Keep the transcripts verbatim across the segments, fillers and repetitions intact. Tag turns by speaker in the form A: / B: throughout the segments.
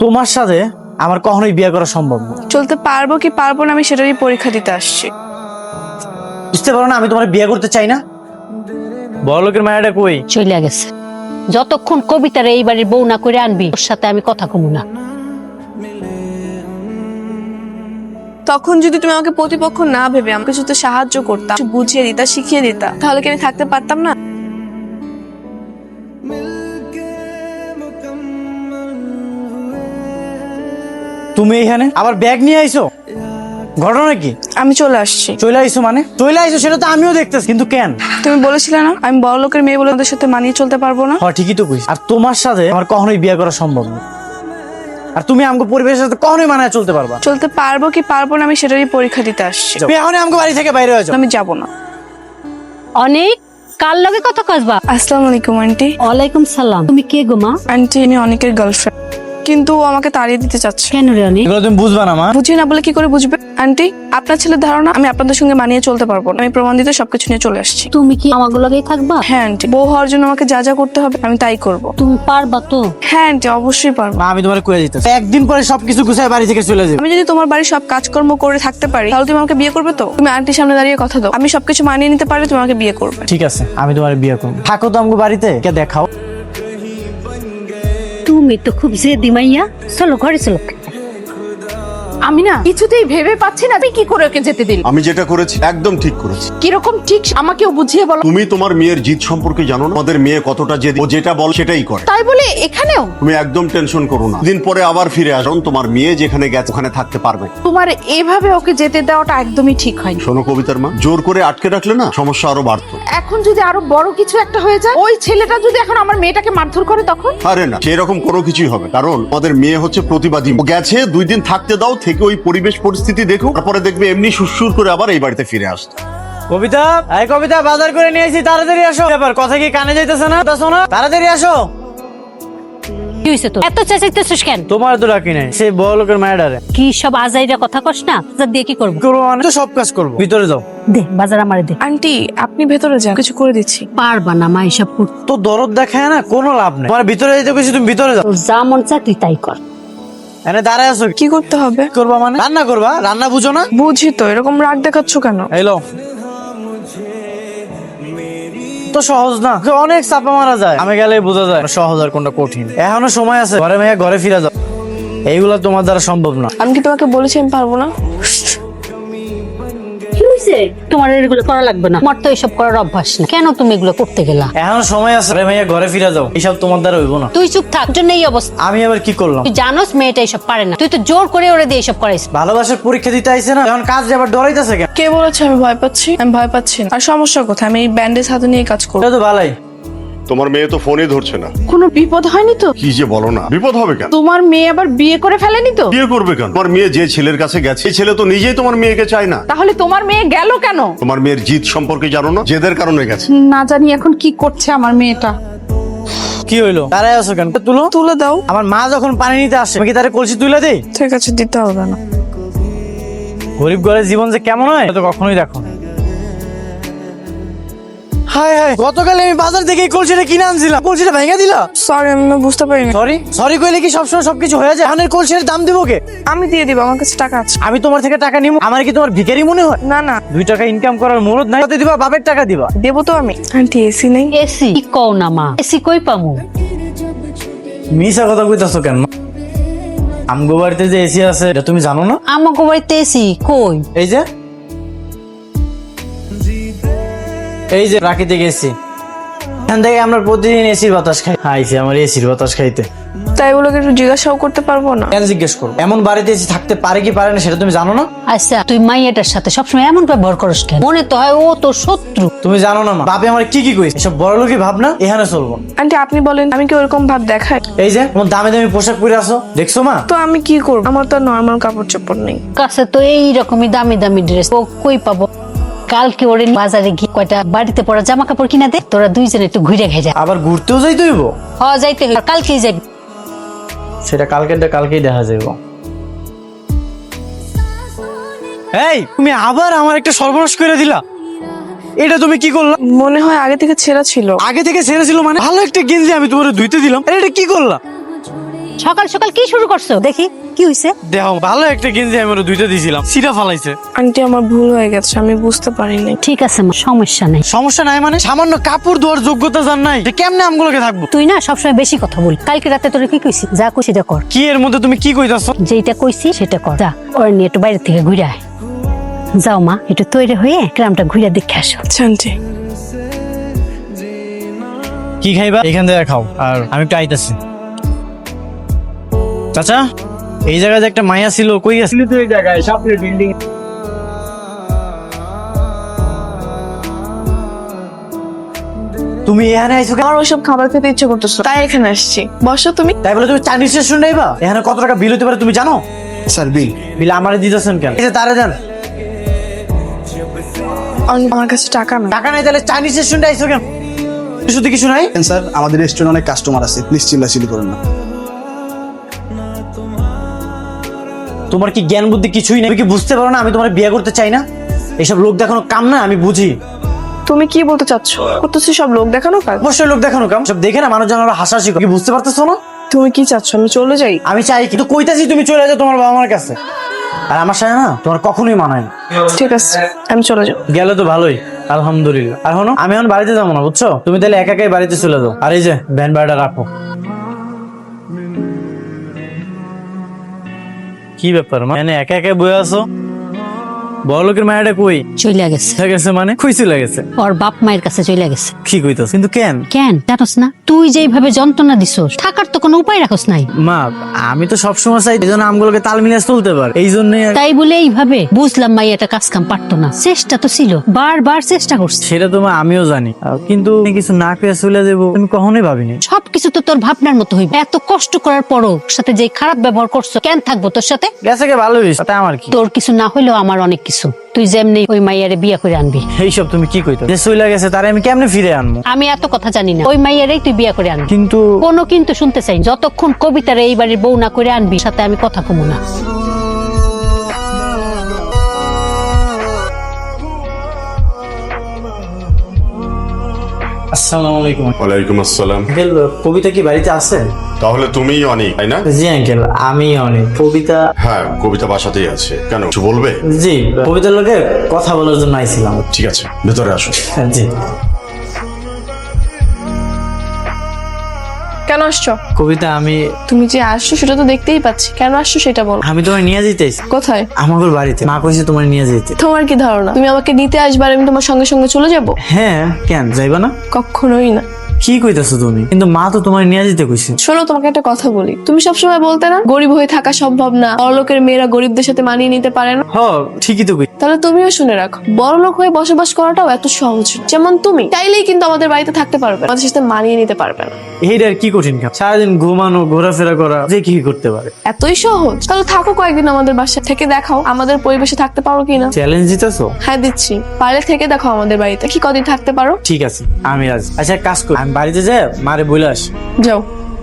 A: তোমার সাথে আমার কখনোই বিয়ে করা সম্ভব না।
B: চলতে পারবো কি পারবো না আমি সেটারই পরীক্ষা দিতে আসছি।
A: বুঝতে পারো না আমি তোমার বিয়ে করতে চাই না? বড় লোকের মায়াটা কই?
C: চলে গেছে। যতক্ষণ কবিতার এই বাড়ির বউ না করে আনবি ওর সাথে আমি কথা কমু না।
B: তখন যদি তুমি আমাকে প্রতিপক্ষ না ভেবে আমাকে শুধু সাহায্য করতা, কিছু বুঝিয়ে দিতা, শিখিয়ে দিতা, তাহলে কি আমি থাকতে পারতাম না?
A: তুমি এখানে আবার ব্যাগ নিয়ে আইছো, ঘটনা কি?
B: আমি চলে আসছি।
A: চলে আইছো মানে? চলে আইছো সেটা তো আমিও দেখতেছি, কিন্তু কেন?
B: তুমি বলেছিলে না আমি বড় লোকের মেয়ে বলে ওদের সাথে মানিয়ে চলতে পারবো না?
A: হ্যাঁ ঠিকই তো কইছি। আর তোমার সাথে আমার কখনোই বিয়ে করা সম্ভব না। আর তুমি আমাকে পরিবেশের সাথে কখনোই মানায় চলতে পারবা?
B: চলতে পারবো কি পারবো না আমি সেটারই পরীক্ষা দিতে আসছি।
A: তুমি এখনই আমাকে বাড়ি থেকে বাইরে হয়ে যাও।
B: আমি যাবো না।
C: অনেক কার লগে কথা কসবা?
B: আসসালামু আলাইকুম আন্টি।
C: ওয়ালাইকুম সালাম। তুমি কে গো মা?
B: আন্টি আমি অনেকের গার্লফ্রেন্ড, কিন্তু ও আমাকে তাড়িয়ে দিতে চাচ্ছে।
C: কেন রে অনেক?
A: এগুলো তুমি বুঝবা না মা।
B: বুঝি না বলে কি করে বুঝবে? আন্টি আপনার ছেলের ধারণা আমি আপনাদের সঙ্গে মানিয়ে চলতে পারবো না। আমি প্রমাণ দিতে সবকিছু নিয়ে চলে আসছি।
C: তুমি কি আমাগো লগেই থাকবা?
B: হ্যাঁ আন্টি, বউ হওয়ার জন্য আমাকে যা যা করতে হবে আমি তাই করবো।
C: তুমি পারবা তো?
B: হ্যাঁ আন্টি অবশ্যই পারবো।
A: মা আমি তোমার কয়ে দিতেছি, একদিন পরে সবকিছু গুছায় বাড়ি থেকে চলে যাবে।
B: আমি যদি তোমার বাড়ির সব কাজকর্ম করে থাকতে পারি তাহলে তুমি আমাকে বিয়ে করবে তো? তুমি আন্টির সামনে দাঁড়িয়ে কথা দাও, আমি সবকিছু মানিয়ে নিতে পারলে তুমি আমাকে বিয়ে করবে।
A: ঠিক আছে আমি তোমার বিয়ে করবো। থাকো তো আমাকে বাড়িতে, কে দেখাও।
C: তুমি তো খুব জেদি মাইয়া। চলো ঘরে চলো।
D: আমি না কিছুতেই ভেবে পাচ্ছি না তুই কি করে ওকে যেতে দিল।
E: আমি যেটা করেছি একদম ঠিক করেছি।
D: কিরকম ঠিক আমাকেও বুঝিয়ে বলো।
E: তুমি তোমার মেয়ের জিদ সম্পর্কে জানো না? আমাদের মেয়ে কতটা জেদি, ও যেটা বল সেটাই করে।
D: তাই বলে এখানেও
E: তুমি একদম টেনশন করো না, দিন পরে আবার ফিরে আসুন। তোমার মেয়ে যেখানে গেছে ওখানে থাকতে পারবে।
D: তোমার এভাবে ওকে যেতে দেওয়াটা একদমই ঠিক হয়নি।
E: শোনো কবিতার মা, জোর করে আটকে রাখলে না সমস্যা আরো বাড়তো।
D: এখন যদি আরো বড় কিছু একটা হয়ে যায়, ওই ছেলেটা যদি এখন আমার মেয়েটাকে মারধর করে তখন?
E: আরে না, সেরকম কোনো কিছুই হবে, কারণ আমাদের মেয়ে হচ্ছে প্রতিবাদী। ও গেছে দুই দিন থাকতে দাও, থেকে ওই পরিবেশ পরিস্থিতি দেখো, তারপরে দেখবে এমনি সুরসুর করে আবার এই বাড়িতে ফিরে আসতো।
A: কবিতা, এই কবিতা বাজার করে নিয়ে এসেছি, তাড়াতাড়ি আসো। ব্যাপার কথা কি কানে যাইতেছে না? দেখো না, তাড়াতাড়ি আসো।
C: কি হইছে তো? এত চেঁচাইতেছিস কেন?
A: তোমার তো ডাকি নাই, সেই বড় লোকের মায়াডারে।
C: কি সব আজাইরা কথা কস না? বাজার দিয়ে কি করবো?
A: করবো মানে তো সব কাজ করবো। ভিতরে যাও।
C: দে বাজার আমারে দে।
B: আন্টি আপনি ভেতরে যান, কিছু করে দিচ্ছি।
C: পারবা না মা এসব করতে।
A: তো দরদ দেখায় না, কোনো লাভ নেই। তোমার ভিতরে যেতে কইছি, তুমি ভিতরে যাও।
C: তোর যা মন চা তুই তাই কর।
A: এনে দাঁড়ায় আছো কি?
B: কি করতে হবে?
A: করবা মানে? রান্না করবা? রান্না বুঝো না?
B: বুঝি তো, এরকম রাগ দেখাচ্ছ কেন?
A: এলো তো সহজ না, অনেক চাপা মারা যায়। আমি গেলে বোঝা যায় সহজ আর কোনটা কঠিন। এখনো সময় আছে, ঘরে মেয়ে ঘরে ফিরে যাও। এইগুলা তোমার দ্বারা সম্ভব না।
B: আমি কি তোমাকে বলেছি আমি পারবো না?
C: কি হইছে? তোমার এগুলো করা লাগবে না, আমার তো এসব করার অভ্যাস না। কেন তুমি এগুলো করতে গেলা?
A: এখনো সময় আছে, ঘরে মেয়ে ঘরে ফিরে যাও। এইসব তোমার দ্বারা হইব না।
C: তুই চুপ থাক, জন্য এই অবস্থা।
A: আমি আবার কি করলাম?
C: তুই জানোস মেয়েটা এসব পারে না, তুই তো জোর করে ওরে দিয়ে এসব করাইস।
A: ভালোবাসার পরীক্ষা দিতে আইছে না, এখন কাজ আবার ডরাইতেছে কেন?
B: কে বলেছে আমি ভয় পাচ্ছি? আমি ভয় পাচ্ছি না। আর সমস্যা কোথায়? আমি এই ব্যান্ডেজ হাতে নিয়ে কাজ করবো।
A: এটা তো ভালোই।
E: তোমার মেয়ে তো ফোনই ধরছে না।
D: কোনো বিপদ হয়নি তো?
E: কি যে বলো না, বিপদ হবে কেন?
D: তোমার মেয়ে আবার বিয়ে করে ফেলেনি তো?
E: বিয়ে করবে কেন? তোমার মেয়ে যে ছেলের কাছে গেছে, সেই ছেলে তো নিজেই তোমার মেয়েকে চায় না।
D: তাহলে তোমার মেয়ে গেল কেন?
E: তোমার মেয়ের জিদ সম্পর্কে জানো না? জেদের কারণে গেছে।
D: না জানি এখন কি করছে আমার মেয়েটা।
A: কি হইলো? দাঁড়ায় আছো কেন? তুলো।
B: তুলে দাও।
A: আমার মা যখন পানি নিতে আসে, আমি কি তারে কলসি তুলে দেই?
B: ঠিক আছে দিতে হবে না।
A: গরিব ঘরের জীবন যে কেমন হয় তো কখনোই দেখো না। হায় হায়, গতকাল আমি বাজার থেকে এই কলসিটা কিনে আনছিলাম, কলসিটা ভেঙে দিলা।
B: সরি আমি না বুঝতে পারিনি।
A: সরি সরি কইলে কি সবসময় সবকিছু হয়ে যায়? হানের কলসির দাম দিব কে?
B: আমি দিয়ে দিব, আমার কাছে টাকা আছে।
A: আমি তোমার থেকে টাকা নিব? আমার কি তোমার ভিখারি মনে হয়?
B: না না
A: দুই টাকা ইনকাম করার মুরত নাই, দিবা বাপের টাকা দিবা।
B: দেবো তো আমি। আন্টি এসি নেই?
C: এসি কি কও না মা? এসি কই পামু?
A: মিশা কথা কইতাছো কেন? আমগো বাড়িতে যে এসি আছে এটা তুমি জানো না?
C: আমাকে বাড়িতে এসি কই?
A: এই যে এই যে প্রাকৃতিক এসি, এখান থেকে আমরা প্রতিদিন এসির বাতাস খাই। আইছি আমার এসির বাতাস খাইতে।
B: তাই বলোকে একটু জিজ্ঞাসাও করতে পারবো না?
A: কেন জিজ্ঞেস করো? এমন বাড়িতে এসি থাকতে পারে কি পারে না সেটা তুমি জানো না?
C: আচ্ছা তুই মাইয়াটার সাথে সবসময় এমন ব্যবহার করিস কেন? মনে তো হয় ও তোর শত্রু।
A: তুমি জানো না মা, বাপে আমার কি কি কইছে? এসব বড় লোকই ভাবনা, এখানে চলবো।
B: আন্টি আপনি বলেন আমি কি ওরকম ভাব দেখাই?
A: এই যে তোমার দামি দামি পোশাক পরে আসো, দেখছো মা?
B: তো আমি কি করবো? আমার তো নর্মাল কাপড় চোপড় নেই।
C: কাছে তো এই রকমই দামি দামি ড্রেস, ও কই পাবো? কালকে ওরে বাজারে গিয়ে কয়টা বাড়িতে পড়া জামা কাপড় কিনা দে, তোরা দুইজনে একটু ঘুরে ঘেরে।
A: আবার ঘুরতেও যাইতে হইব?
C: হ যাইতে হইব, কালকেই যাবি।
A: সেটা কালকেরটা কালকেই দেখা যাইব। এই তুমি আবার আমার একটা সর্বনাশ করে দিলা। এটা তুমি কি করলা?
B: মনে হয় আগে থেকে ছেঁড়া ছিল।
A: আগে থেকে ছেড়েছিল মানে? ভালো একটা গেঞ্জি আমি তোমার ধুইতে দিলাম, আর এটা কি করলা?
C: সকাল সকাল কি শুরু করছো দেখি কি হইছে?
A: দেখো ভালো একটা গেঞ্জি আমি ওরে দুইটা দিয়েছিলাম, সিটা ফালাইছে।
B: আন্টি আমার ভুল হয়ে গেছে, আমি বুঝতে পারিনি।
C: ঠিক আছে মা, সমস্যা নাই।
A: সমস্যা নাই মানে? সামান্য কাপড় ধোয়ার যোগ্যতা জান নাই, যে কেমনে আমগুলোকে থাকবো?
C: তুই না সবসময় বেশি কথা বল। কালকে রাতে তোরে কি কইছি? যা কইছি এটা কর।
A: কি এর মধ্যে তুমি কি কইতাছো?
C: যেটা কইছি সেটা কর। যা ওর নিয়ে একটু বাইরে থেকে ঘুরে আয়। যাও মা, একটু তৈরি হয়ে গ্রামটা ঘুরে দেখে আসো।
B: আচ্ছা আন্টি।
A: কি খাইবা এখান থেকে খাও, আর আমি একটু আইতাছি। চাচা, এই জায়গায় যে একটা মায়া ছিল, কই গেছিল?
F: তো এই জায়গায় সামনের বিল্ডিং।
A: তুমি এখানে আইছো কেন?
B: আমার ওইসব খাবার খেতে ইচ্ছে করতেছো, তাই এখানে আসছি। বসো তুমি।
A: তাই বলে তুমি চাইনিজ রেস্টুরেন্টে আইবা? এখানে কত টাকা বিল হতে পারে তুমি জানো?
F: স্যার বিল।
A: বিল আমারে দিতেছেন কেন? এই যে তারে দেন।
B: আন- আমার কাছে টাকা না।
A: টাকা নাই তাহলে চাইনিজ রেস্টুরেন্টে আইছো কেন? শুধু কিছু নাই?
F: স্যার আমাদের রেস্টুরেন্টে অনেক কাস্টমার আছে, প্লিজ চিল্লাচিল্লি করেন না।
A: তোমার কি জ্ঞান বুদ্ধি কিছুই নেই? তুমি কি বুঝতে পারো না আমি তোমার বিয়ে করতে চাই না? এইসব লোক দেখানো কাম না, আমি বুঝি।
B: তুমি কি বলতে চাচ্ছ? করতেছি সব লোক দেখানো কাজ?
A: অবশ্যই লোক দেখানো কাম। সব দেখে না মানুষজন আবার হাসাহাসি করে। কি বুঝতে পারতেছো না?
B: তুমি কি চাচ্ছ আমি চলে যাই?
A: আমি চাই কিন্তু কইতাছি তুমি চলে যাও তোমার বাবা মার কাছে। আর আমার সাথে না তোমার কখনোই মানায় না।
B: ঠিক আছে, আমি চলে যাও।
A: গেলে তো ভালোই, আলহামদুলিল্লাহ। আর হনো, আমি এখন বাড়িতে যাবো না, বুঝছো? তুমি তাহলে একা একাই বাড়িতে চলে যাও। আর এই যে ভ্যান ভাড়াটা রাখো। কি ব্যাপার মা, মানে একা একা বয়ে আছো? বড় লোকের মায়াটা কই?
C: চলে গেছে।
A: চলে গেছে মানে? কই চলে গেছে?
C: ওর বাপ মায়ের কাছে চলে গেছে।
A: কি কইতাছ? কিন্তু কেন?
C: কেন জানোস না? তুই যেইভাবে যন্ত্রণা দিছস, থাকার তো কোনো উপায় রাখস নাই।
A: মা, আমি তো সবসময় চাই এই জন্য আমগুলোকে তাল মিলিয়ে চলতে পারে, এই জন্যই আর-
C: তাই বলে এইভাবে বুঝলাম মাই এটা কাজ কাম পারতো না। চেষ্টা তো ছিল, বারবার চেষ্টা করছে।
A: সেটা তো মা আমিও জানি, আহ, কিন্তু আমি কিছু না পেয়ে চলে যাবো আমি কখনোই ভাবিনি।
C: সবকিছু তো তোর ভাবনার মতো হইবে। এত কষ্ট করার পরও ওর সাথে যে খারাপ ব্যবহার করছো, কেন থাকবো তোর সাথে?
A: গেছে কে ভালো হয়েছে, তাতে আমার কি?
C: তোর কিছু না হইলেও আমার অনেক কিছু। তুই যেমনি ওই মাইয়ারে বিয়ে করে আনবি।
A: এইসব তুমি কি কইতো? যে চলে গেছে তারে আমি কেমনে ফিরে আনবো?
C: আমি এত কথা জানি না। ওই মাইয়ারেই তুই বিয়ে করে আনবি।
A: কিন্তু
C: কোনো কিন্তু শুনতে চাই না। যতক্ষণ কবিতারে এই বাড়ির বউ না করে আনবি, সাথে আমি কথা কমু না।
A: আসসালামু আলাইকুম।
E: ওয়ালাইকুম আসসালাম।
A: আঙ্কেল, কবিতা কি বাড়িতে আছে?
E: তাহলে তুমিই অনেক, তাই না?
A: জি আঙ্কেল, আমি অনেক। কবিতা?
E: হ্যাঁ, কবিতা বাসাতেই আছে। কেন, কিছু বলবে?
A: জি, কবিতার লোকে কথা বলার জন্য আইছিলাম।
E: ঠিক আছে, ভেতরে আসো।
A: হ্যাঁ, জি।
B: কেন আসছো?
A: কবিতা, আমি
B: তুমি যে আসছো সেটা তো দেখতেই পাচ্ছি, কেন আসছো সেটা বলো।
A: আমি তোমার নিয়ে যেতেছি
B: কোথায়?
A: আমাদের বাড়িতে। মা কইছে তোমার নিয়ে যেতে।
B: তোমার কি ধারণা তুমি আমাকে নিতে আসবে আর আমি তোমার সঙ্গে সঙ্গে চলে যাব?
A: হ্যাঁ, কেন যাইবা না?
B: কখনোই না।
A: কি কইতাছো তুমি? কিন্তু মা তো তোমার নিয়ে যেতে কইছে।
B: শোনো, তোমাকে একটা কথা বলি। তুমি সবসময় বলতে না গরিব হয়ে থাকা সম্ভব না, বড়লোকের মেয়েরা গরিবদের সাথে মানিয়ে নিতে পারে না।
A: হ, ঠিকই তো কই।
B: তাহলে তুমিও শুনে রাখো, বড়লোক হয়ে বসবাস করাটাও এত সহজ না। যেমন তুমি চাইলেই কিন্তু আমাদের বাড়িতে থাকতে পারবে না, আমাদের সাথে মানিয়ে নিতে পারবে না।
A: এইটার কি কঠিন কাজ? সারাদিন ঘুমানো, ঘোরাফেরা করা, যে কি করতে পারে?
B: এতই সহজ? তাহলে থাকো কয়েকদিন আমাদের বাসায় থেকে দেখাও আমাদের পরিবেশে থাকতে পারো কিনা।
A: চ্যালেঞ্জ দিতেছো?
B: হ্যাঁ দিচ্ছি, পারলে থেকে দেখো আমাদের বাড়িতে কি কদিন থাকতে পারো।
A: ঠিক আছে, আমি রাজি। আচ্ছা, এক কাজ করি, আমি বাড়িতে যাই মারে বলে আসি।
B: যাও।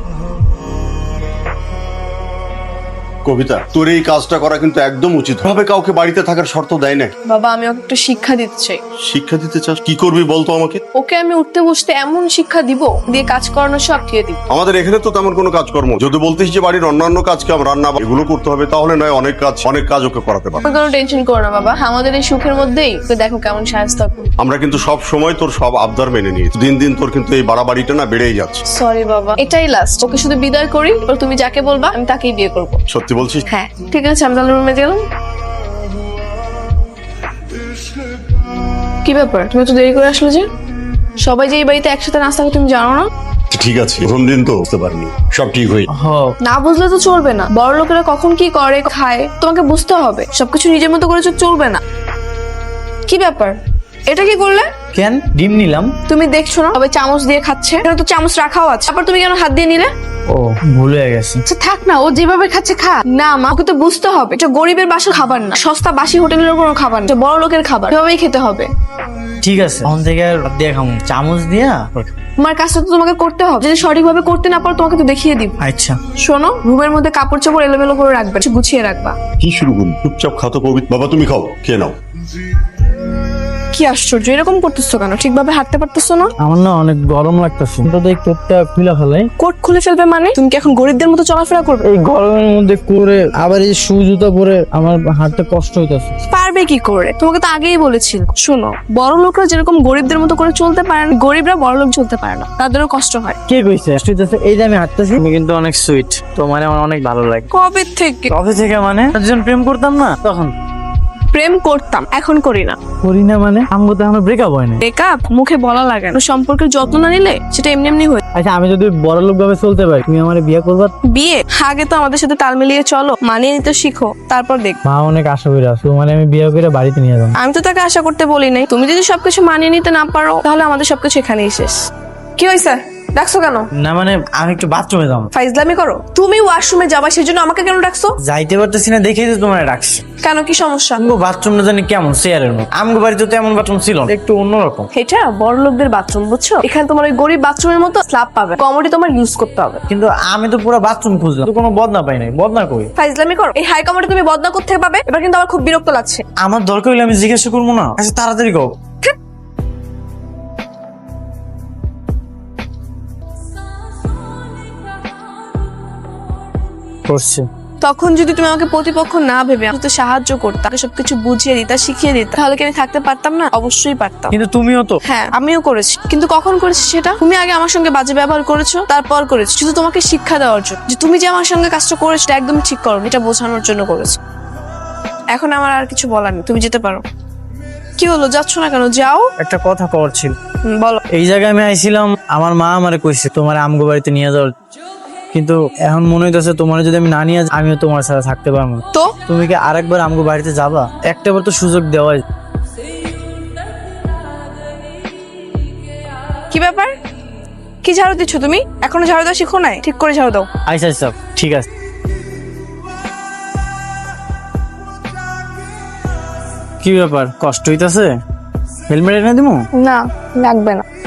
E: কবিতা, তোর এই কাজটা করা কিন্তু একদম উচিত। ভাবে কাউকে বাড়িতে থাকার শর্ত দেয় না।
B: বাবা, আমি ওকে একটু শিক্ষা দিতে চাই।
E: শিক্ষা দিতে চাস? কি করবি বলতো আমাকে।
B: ওকে আমি উঠতে বসতে এমন শিক্ষা দিব, দিয়ে কাজ করানো সব দিয়ে দিব।
E: আমাদের এখানে তো তেমন কোনো কাজকর্ম, যদি বলতিস যে বাড়ির অন্যান্য কাজ কাম, রান্না এগুলো করতে হবে, তাহলে নয় অনেক কাজ অনেক কাজ ওকে করাতে পারবে।
B: তুমি কোনো টেনশন করো না বাবা, আমাদের এই সুখের মধ্যেই ওকে দেখো কেমন সাহায্য করি।
E: আমরা কিন্তু সব সময় তোর সব আবদার মেনে নিই। দিন দিন তোর কিন্তু এই বাড়াবাড়িটা না বেড়েই যাচ্ছে।
B: সরি বাবা, এটাই লাস্ট। ওকে শুধু বিদায় করি, এবার তুমি যাকে বলবা আমি তাকেই বিয়ে করবো।
E: সত্যি বলছিস?
B: হ্যাঁ ঠিক আছে, আমি তাহলে রুমে গেলাম। কি ব্যাপার, তুমি তো দেরি করে আসলে যে? সবাই যে এই বাড়িতে একসাথে নাস্তা করে তুমি জানো না?
E: ঠিক আছে, প্রথম দিন তো বুঝতে পারিনি, সব ঠিক হয়ে।
A: হ,
B: না বুঝলে তো চলবে না। বড় লোকেরা কখন কি করে খায় তোমাকে বুঝতে হবে। সবকিছু নিজের মতো করে চলবে না। কি ব্যাপার, এটা কি করলে?
A: কেন? ডিম নিলাম।
B: তুমি দেখছো না সবাই চামচ দিয়ে খাচ্ছে, এখানে তো চামচ রাখাও আছে, তারপর তুমি কেন হাত দিয়ে নিলে?
A: ও, ভুল হয়ে গেছে।
D: আচ্ছা থাক না, ও যেভাবে খাচ্ছে খা।
B: না মা, ওকে তো বুঝতে হবে এটা গরিবের বাসার খাবার না, সস্তা বাসি হোটেলের কোনো খাবার না, এটা বড় লোকের খাবার, এভাবেই খেতে হবে।
A: ঠিক আছে, অন থেকে আর দিয়ে খামু, চামচ দিয়া।
B: তোমার কাজটা তো তোমাকে করতে হবে, যদি সঠিকভাবে করতে না পারো তোমাকে তো দেখিয়ে দিব।
A: আচ্ছা,
B: শোনো, রুমের মধ্যে কাপড় চোপড় এলোমেলো করে রাখবে, একটু গুছিয়ে রাখবা।
E: কি শুরু করবি? চুপচাপ খাতো কবিতা। বাবা তুমি খাও, খেয়ে নাও।
B: কি আশ্চর্য, এরকম করতেছো কেন? ঠিকভাবে হাঁটতে পারতেছো না?
A: আমার না অনেক গরম লাগতেছে, তো দেখ কোটটা খুলে ফেলাই।
B: কোট খুলে ফেলবে মানে? তুমি কি এখন গরিবদের মতো চলাফেরা করবে?
A: এই গরমের মধ্যে করে আবার এই শু জুতা পরে আমার হাঁটতে কষ্ট হইতাছে।
B: পারবে কি করে? তোমাকে তো আগেই বলেছিল। শোনো, বড় লোকরা যেরকম গরিবদের মতো করে চলতে পারে না, গরিবরা বড় লোক চলতে পারে না, তাদেরও কষ্ট হয়।
A: কে কইছে কষ্ট হইতাছে? এই যে আমি হাঁটতেছি, তুমি কিন্তু অনেক সুইট, তোমার আমার অনেক ভালো লাগে।
B: কবে থেকে?
A: কবে থেকে মানে? যখন প্রেম করতাম না তখন।
B: প্রেম করতাম, এখন করি না।
A: করি না মানে? আমগো তো এখনো ব্রেকআপ হয় না।
B: ব্রেকআপ মুখে বলা লাগে না, সম্পর্কের যত্ন না নিলে সেটা এমনি এমনি হয়।
A: আচ্ছা, আমি যদি বড় লোক ভাবে চলতে পারি, তুমি আমার বিয়ে করবা?
B: বিয়ে আগে তো আমাদের সাথে তাল মিলিয়ে চলো, মানিয়ে নিতে শিখো, তারপর দেখ।
A: মা অনেক আশা করে আসো, মানে আমি বিয়ে করে বাড়িতে নিয়ে যাবো।
B: আমি তো তাকে আশা করতে বলি নাই। তুমি যদি সবকিছু মানিয়ে নিতে না পারো, তাহলে আমাদের সবকিছু এখানেই শেষ। কি হয়েছে? ডাকছো কেন?
A: না মানে আমি একটু বাথরুমে যাবো।
B: ফাইজলামি করো? তুমি ওয়াশরুমে যাবা, সেজন্য আমাকে কেন ডাকছো?
A: যাইতে পারতেছি না দেখেই তো তোমার ডাকছি।
B: কেন, কি সমস্যা?
A: আমগো বাথরুম না জানি কেমন চেয়ারের মতো, আমগো বাড়িতে তো এমন বাথরুম ছিল না, একটু অন্যরকম।
B: এটা বড় লোকদের বাথরুম, বুঝছো? এখানে তোমার ওই গরিব বাথরুমের মতো স্ল্যাব পাবে, কমোডি তোমার ইউজ করতে হবে।
A: কিন্তু আমি তো পুরো বাথরুম খুঁজলাম, তো কোনো বদনা পাই নাই। বদনা কই?
B: ফাইজলামি করো? এই হাই কমোডি তুমি বদনা করতে থেকে পাবে? এবার কিন্তু আমার খুব বিরক্ত লাগছে।
A: আমার দরকার হলে আমি জিজ্ঞাসা করবো না? আচ্ছা তাড়াতাড়ি কও। করছে।
B: তখন যদি তুমি আমাকে প্রতিপক্ষ না ভেবে আমাকে সাহায্য করতে, তাকে সবকিছু বুঝিয়ে দিতা, শিখিয়ে দিতা, তাহলে কি আমি থাকতে পারতাম না? অবশ্যই পারতাম।
A: কিন্তু তুমিও তো।
B: হ্যাঁ, আমিও করেছি, কিন্তু কখন করেছি সেটা? তুমি আগে আমার সঙ্গে বাজে ব্যবহার করেছো, তারপর করেছো শুধু তোমাকে শিক্ষা দেওয়ার জন্য, যে তুমি যে আমার সঙ্গে কাজটা করেছো এটা একদম ঠিক করো, এটা বোঝানোর জন্য করেছো। এখন আমার আর কিছু বলার নেই, তুমি যেতে পারো। কি হলো, যাচ্ছ না কেন? যাও।
A: একটা কথা কওয়ার ছিল।
B: হুম, বলো।
A: এই জায়গায় আমি আইছিলাম, আমার মা আমারে কইছে তোমার আমগো বাড়িতে নিয়ে যাওয়ার, কিন্তু এখন মনে হইতেছে তোমার যদি আমি না নিয়ে যাই, আমিও তোমার সাথে থাকতে পারবো না।
B: তো
A: তুমি কি আরেকবার আমগো বাড়িতে যাবা? একটাবার তো সুযোগ দেওয়াই।
B: কি ব্যাপার? কি ঝাড়ু দিচ্ছ তুমি? এখনো ঝাড়ু দাও শিখো নাই? ঠিক করে ঝাড়ু দাও।
A: আচ্ছা আচ্ছা ঠিক আছে। কি ব্যাপার, কষ্ট হইতাছে? হেলমেট এনে দিমু?
B: না, লাগবে না।